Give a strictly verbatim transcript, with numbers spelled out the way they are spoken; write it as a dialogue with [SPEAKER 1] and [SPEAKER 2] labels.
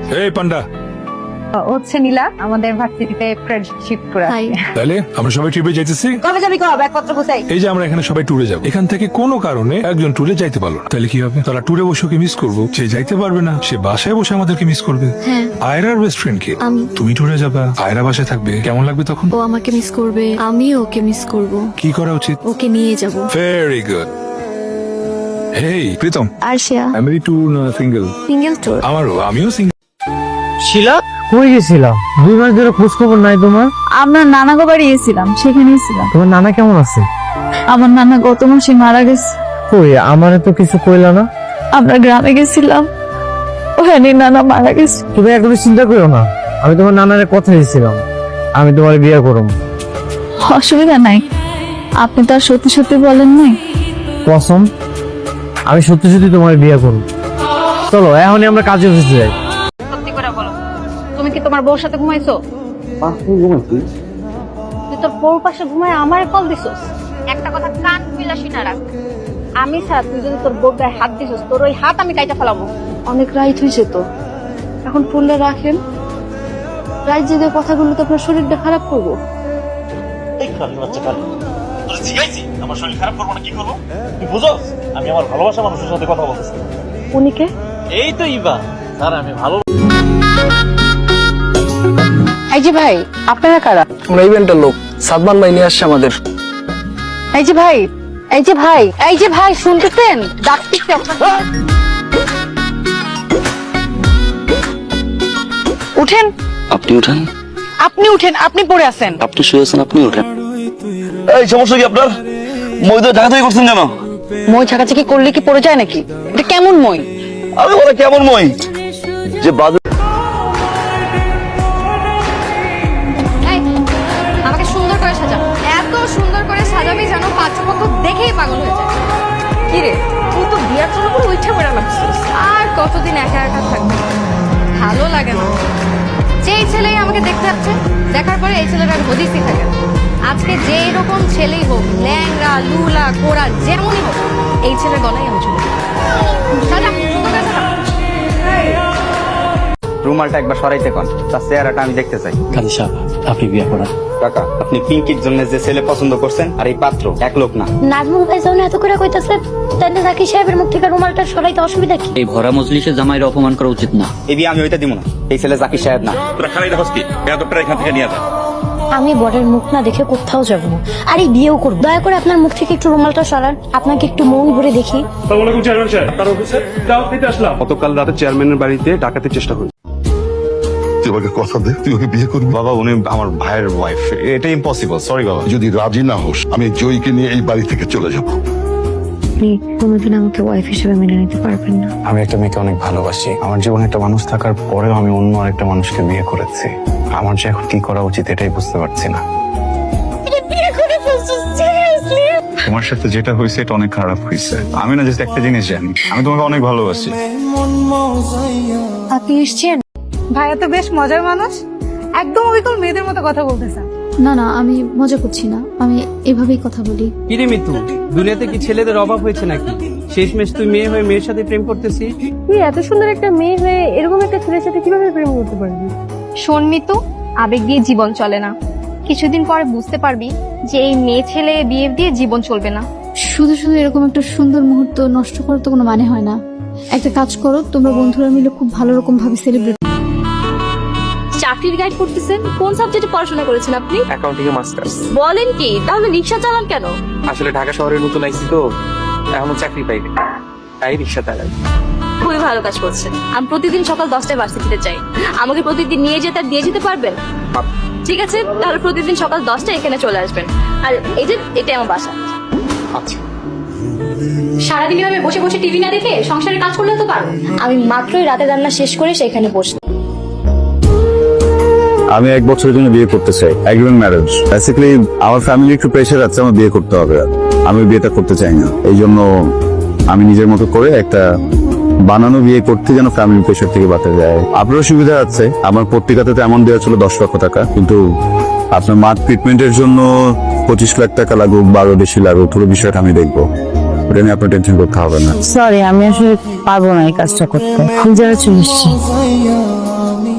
[SPEAKER 1] এই পান্ডা
[SPEAKER 2] হচ্ছে নীলা আমাদের ভার্সিটিতে ফ্রেন্ডশিপ করে আছে।
[SPEAKER 1] তাহলে আমরা সবাই ট্রিপে যাইতেছি।
[SPEAKER 2] কবে যাবি কবে ব্যাগপত্র গুছাই?
[SPEAKER 1] এই যে আমরা এখানে সবাই ট্যুরে যাব, এখান থেকে কোনো কারণে একজন ট্যুরে যাইতে পারলো না, তাহলে কি হবে? তারা ট্যুরে বসে ওকে মিস করবো, সে যাইতে পারবে না, সে বাসায় বসে আমাদেরকে মিস করবে।
[SPEAKER 3] হ্যাঁ।
[SPEAKER 1] আয়রার বেস্ট ফ্রেন্ড কে?
[SPEAKER 3] আমি।
[SPEAKER 1] তুমি ট্যুরে যাবা, আয়রা বাসায় থাকবে, কেমন লাগবে তখন?
[SPEAKER 3] ও আমাকে মিস করবে, আমিও ওকে মিস করব।
[SPEAKER 1] কি করা উচিত?
[SPEAKER 3] ওকে নিয়ে যাব।
[SPEAKER 1] Very good. Hey Pritam,
[SPEAKER 3] Arshia
[SPEAKER 1] family tour না সিঙ্গেল?
[SPEAKER 3] Single tour.
[SPEAKER 1] আমারও, আমিও সিঙ্গেল।
[SPEAKER 4] শিলা কই গেছিলাম? দুই মাস ধরে খোঁজ খবর নাই তোমার।
[SPEAKER 2] আমরা নানাগো বাড়ি গেছিলাম, সেখানেই ছিলাম।
[SPEAKER 4] তোমার নানা কেমন আছে?
[SPEAKER 2] আমার নানা গত মাসে মারা গেছে।
[SPEAKER 4] কই আমারে তো কিছু কইলা না।
[SPEAKER 2] আমরা গ্রামে গেছিলাম, ওখানে নানা মারা গেছে।
[SPEAKER 4] তুমি একদম চিন্তা করো না, আমি তোমার নানারে কথা দিয়েছিলাম আমি তোমার বিয়ে করব।
[SPEAKER 2] অসুবিধা নাই, আপনি তো আর সত্যি সত্যি বলেন নাই।
[SPEAKER 4] কসম, আমি সত্যি সত্যি তোমার বিয়ে করব। চলো এখনই আমরা কাজে বসে যাই।
[SPEAKER 2] সত্যি করে বলো, তুমি কি তোমার বউর সাথে ঘুমাইছো? তুই তোর বউর পাশে ঘুমায় আমার কল দিছস? একটা কথা কান বিলাসী না রাখ, আমি ছাড়া তুই যদি তোর বউর গায়ে হাত দিছস, তোর ওই হাত আমি কাইটা ফেলাবো।
[SPEAKER 5] অনেক রাইট হয়েছে তো, এখন ফোনটা রাখেন। রাইট জেগে কথাগুলো তো আপনার শরীরটা খারাপ করবো।
[SPEAKER 6] এই খালি বাচ্চা খালি তোরা জিগাইছি আমার শরীর খারাপ করবো না, কি করবো তুই বুঝোস? আমি আমার ভালোবাসা মানুষের সাথে কথা বলতেছি।
[SPEAKER 5] উনিকে
[SPEAKER 6] এই তো ইবা স্যার, আমি ভালো।
[SPEAKER 5] এই যে ভাই, আপনারা কারা?
[SPEAKER 7] আমরা ইভেন্টের লোক, সাদমান ভাই নিয়ে আসছে আমাদের।
[SPEAKER 5] এই যে ভাই, এই যে ভাই, এই যে ভাই, শুনতেছেন? ডাকতেছে আপনাকে। উঠেন।
[SPEAKER 7] আপনি উঠেন।
[SPEAKER 5] আপনি উঠেন, আপনি পড়ে আছেন।
[SPEAKER 7] আপনি শুয়ে আছেন, আপনি উঠেন।
[SPEAKER 6] এই সমস্যা কি আপনার? মই তো ঢাকা থেকে করছেন কেন?
[SPEAKER 5] মই ছাকাছাকি করলে কি পড়ে যায় নাকি? এটা কেমন মই?
[SPEAKER 6] আমি বলে কেমন মই যে বাজে।
[SPEAKER 2] এই, আমাকে সুন্দর করে সাজা, এত সুন্দর করে সাজাবি যেন পাঁচপক্ষ দেখেই পাগল হয়ে যায়। কি রে, তুই তো বিয়ার জন্য পুরো উঠে পড়ে লাগছিস। আর কতদিন একা একা থাকবি, ভালো লাগে না। যেই ছেলেই আমাকে দেখতে যাচ্ছে, দেখার পরে এই ছেলেটার হদিসই থাকে না। আজকে যেই রকম ছেলেই হোক, ল্যাংড়া লুলা কোড়া যেমনই হোক, এই ছেলের গলায় আমি চলে যাবো। সাজা, সুন্দর করে সাজা।
[SPEAKER 8] রুমালটা একবার সরাইতে কোন, তার চেহারাটা আমি দেখতে চাই।
[SPEAKER 7] কাজী সাহেব, আপনি বিয়ে করেন।
[SPEAKER 8] কাকা, আপনি পিঙ্কির জন্য যে ছেলে পছন্দ করছেন আর এই পাত্র এক লোক না।
[SPEAKER 9] নাজমুল ভাই যখন এত করে কইতাছে, তাহলে জাকির সাহেবের মুখ থেকে রুমালটা সরাইতে অসুবিধা কি?
[SPEAKER 7] এই ভরা মজলিসে জামাইয়ের অপমান করা উচিত না।
[SPEAKER 8] এই বিয়ে আমি হইতে দিব না, এই ছেলে জাকির সাহেব না।
[SPEAKER 6] তোরা খালি দেখোস কি বেয়াদবটা এখান থেকে নিয়ে যা।
[SPEAKER 9] আমি বরের মুখ না দেখে কোথাও যাব না, আর এই বিয়েও করব। দয়া করে আপনার মুখ থেকে একটু রুমালটা সরান, আপনাকে একটু মন ভরে দেখি।
[SPEAKER 10] গতকাল রাতে চেয়ারম্যানের বাড়িতে ডাকাতের চেষ্টা করি।
[SPEAKER 11] তুই আমাকে কথা দে, তুই ওকে বিয়ে করবি।
[SPEAKER 10] বাবা, উনি আমার ভাইয়ের ওয়াইফ, এটা ইম্পসিবল। সরি বাবা।
[SPEAKER 11] যদি রাজি না হোস, আমি জয়ীকে নিয়ে এই বাড়ি থেকে চলে যাব।
[SPEAKER 9] আপনি কোনোদিন আমাকে ওয়াইফ হিসেবে মেনে নিতে পারবেন না।
[SPEAKER 10] আমি একটা মেয়েকে অনেক ভালোবাসি। আমার জীবনে একটা মানুষ থাকার পরেও আমি অন্য আরেকটা মানুষকে বিয়ে করেছি। আমার যে এখন কি করা উচিত এটাই বুঝতে পারছি না। তোমার সাথে যেটা হয়েছে এটা অনেক খারাপ হয়েছে। আমি না জাস্ট একটা জিনিস জানি, আমি তোমাকে অনেক ভালোবাসি।
[SPEAKER 9] আপনি এসছেন?
[SPEAKER 2] ভাইয়া তো বেশ মজার মানুষ, একদম অবিকল মেয়েদের মতো কথা বলতেছে।
[SPEAKER 3] না না, আমি মজা করছি না, আমি এভাবেই কথা বলি।
[SPEAKER 4] কিরে মিতু, দুনিয়াতে কি ছেলেদের অভাব হয়েছে নাকি? শেষমেশ তুই মেয়ে হয়ে মেয়ের সাথে প্রেম করতেছি।
[SPEAKER 5] তুই এত সুন্দর একটা মেয়ে হয়ে এরকম একটা ছেলের সাথে কিভাবে প্রেম করতে পারবি?
[SPEAKER 2] শোন মিতু, আবেগ দিয়ে জীবন চলে না। কিছুদিন পরে বুঝতে পারবি যে এই মেয়ে ছেলে বিয়ে দিয়ে জীবন চলবে না।
[SPEAKER 3] শুধু শুধু এরকম একটা সুন্দর মুহূর্ত নষ্ট করার তো কোনো মানে হয় না। একটা কাজ করো, তোমরা বন্ধুরা মিলে খুব ভালো রকম ভাবে সেলিব্রেট।
[SPEAKER 9] চাকরির গাইড করতেছেন? কোন সাবজেক্টে পড়াশোনা করেছেন আপনি?
[SPEAKER 4] অ্যাকাউন্টিং এ মাস্টার্স।
[SPEAKER 9] বলেন কি? তাহলে রিক্সা চালান কেন?
[SPEAKER 4] আসলে ঢাকা শহরে নতুন আইছি তো, এখনো চাকরি পাইনি, তাই রিক্সা চালাই।
[SPEAKER 9] খুবই ভালো কাজ করছেন। আমি প্রতিদিন সকাল দশটায় ভার্সিটিতে যাই, আমাকে প্রতিদিন নিয়ে যেতে আর দিয়ে যেতে পারবেন? ঠিক আছে, তাহলে প্রতিদিন সকাল দশটায় এখানে চলে আসবেন। আর এই যে এটা আমার বাসা।
[SPEAKER 4] আচ্ছা।
[SPEAKER 9] সারাদিন এভাবে বসে বসে টিভি না দেখে সংসারের কাজ করলে তো পারো। আমি মাত্রই রাতে রান্না শেষ করে সেখানে বসে।
[SPEAKER 10] আমি এক বছরের জন্য বিয়ে করতে চাই, এগ্রিমেন্ট ম্যারেজ। বেসিক্যালি আমার ফ্যামিলি একটু প্রেশার আছে, আমার বিয়ে করতে হবে। আমি বিয়েটা করতে চাই না, এই জন্য আমি নিজের মতো করে একটা বানানো বিয়ে করতে, যেন ফ্যামিলি প্রেশার থেকে বাঁচা যায়। আপনারও সুবিধা আছে, আমার পত্রিকাতে তো এমন দেওয়া ছিল দশ লক্ষ টাকা, কিন্তু আপনার মার ট্রিটমেন্টের জন্য পঁচিশ লাখ টাকা লাগুক, বারো বেশি লাগুক, পুরো বিষয়টা আমি দেখবো। ওটা নিয়ে আপনার টেনশন করতে হবে না।
[SPEAKER 5] সরি, আমি আসলে পারবো না এই কাজটা করতে। আমি যারা চলে এসছি।